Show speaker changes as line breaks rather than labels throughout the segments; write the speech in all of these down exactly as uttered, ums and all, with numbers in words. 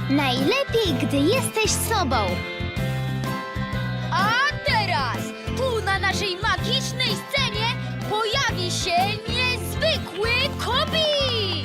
Najlepiej, gdy jesteś sobą.
A teraz tu na naszej magicznej scenie pojawi się niezwykły Kobi!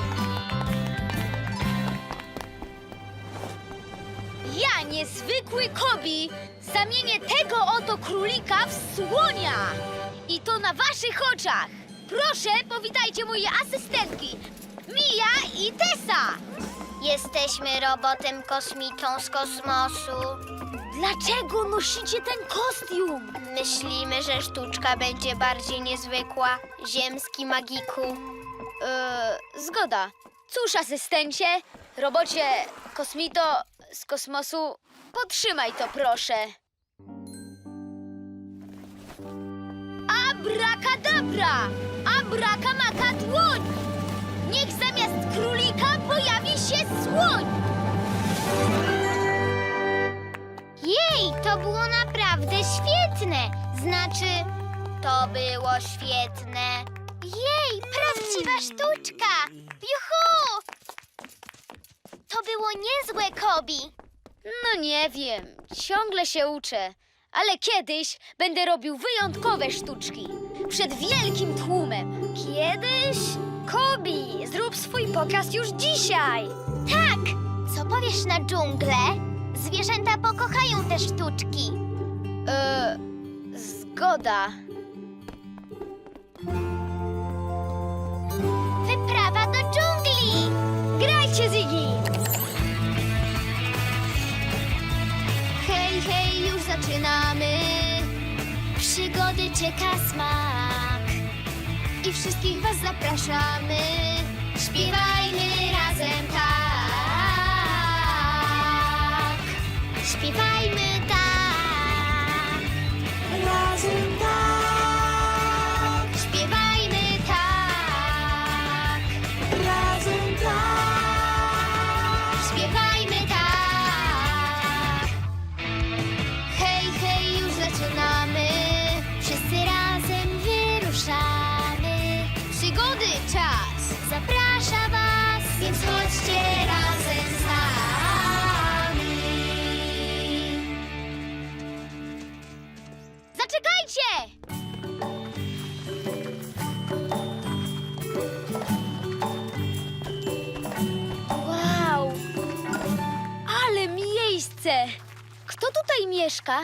Ja, niezwykły Kobi, zamienię tego oto królika w słonia. I to na waszych oczach. Proszę, powitajcie moje asystentki, Mia i Tessa.
Jesteśmy robotem kosmitą z kosmosu.
Dlaczego nosicie ten kostium?
Myślimy, że sztuczka będzie bardziej niezwykła. Ziemski magiku.
Yy, zgoda. Cóż, asystencie, robocie kosmito z kosmosu, potrzymaj to, proszę. Abrakadabra! Abrakamaka dłoń! Niech zamiast królika pojawi się słoń!
Jej, to było naprawdę świetne. Znaczy, to było świetne. Jej, prawdziwa sztuczka. Juhu! To było niezłe, Kobi.
No nie wiem, ciągle się uczę, ale kiedyś będę robił wyjątkowe sztuczki. Przed wielkim tłumem. Kiedyś? Kobi, zrób swój pokaz już dzisiaj.
Tak, co powiesz na dżunglę? Zwierzęta pokochają te sztuczki.
Eee, zgoda.
Wyprawa do dżungli!
Grajcie, Ziggy!
Hej, hej, już zaczynamy. Przygody czeka smak. I wszystkich was zapraszamy. Śpiewajmy razem tak. Śpiewajmy tak. Razem tak. Śpiewajmy tak. Razem tak. Śpiewajmy tak. Hej, hej, już zaczynamy. Wszyscy razem wyruszamy.
Przygody czas!
Zaprasza was, więc chodźcie razem z nami.
Zaczekajcie! Wow! Ale miejsce! Kto tutaj mieszka?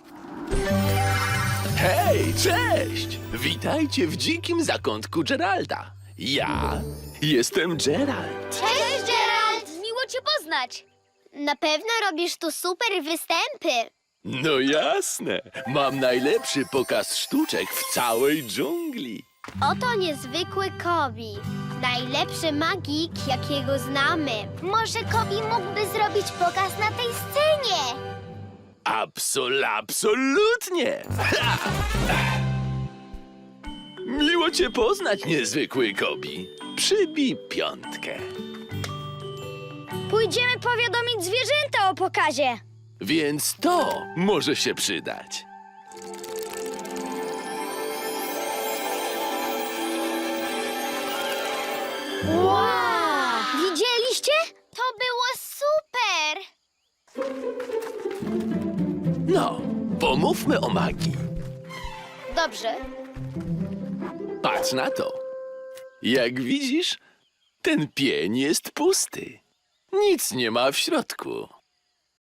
Hej, cześć! Witajcie w dzikim zakątku Geralda. Ja jestem Gerald.
Cześć, Gerald!
Miło cię poznać!
Na pewno robisz tu super występy.
No jasne, mam najlepszy pokaz sztuczek w całej dżungli.
Oto niezwykły Kobi. Najlepszy magik, jakiego znamy. Może Kobi mógłby zrobić pokaz na tej scenie?
Absol, absolutnie! Ha! Miło cię poznać, niezwykły Kobi. Przybij piątkę.
Pójdziemy powiadomić zwierzęta o pokazie.
Więc to może się przydać.
Wow! Widzieliście?
To było super!
No, pomówmy o magii.
Dobrze.
Patrz na to. Jak widzisz, ten pień jest pusty. Nic nie ma w środku.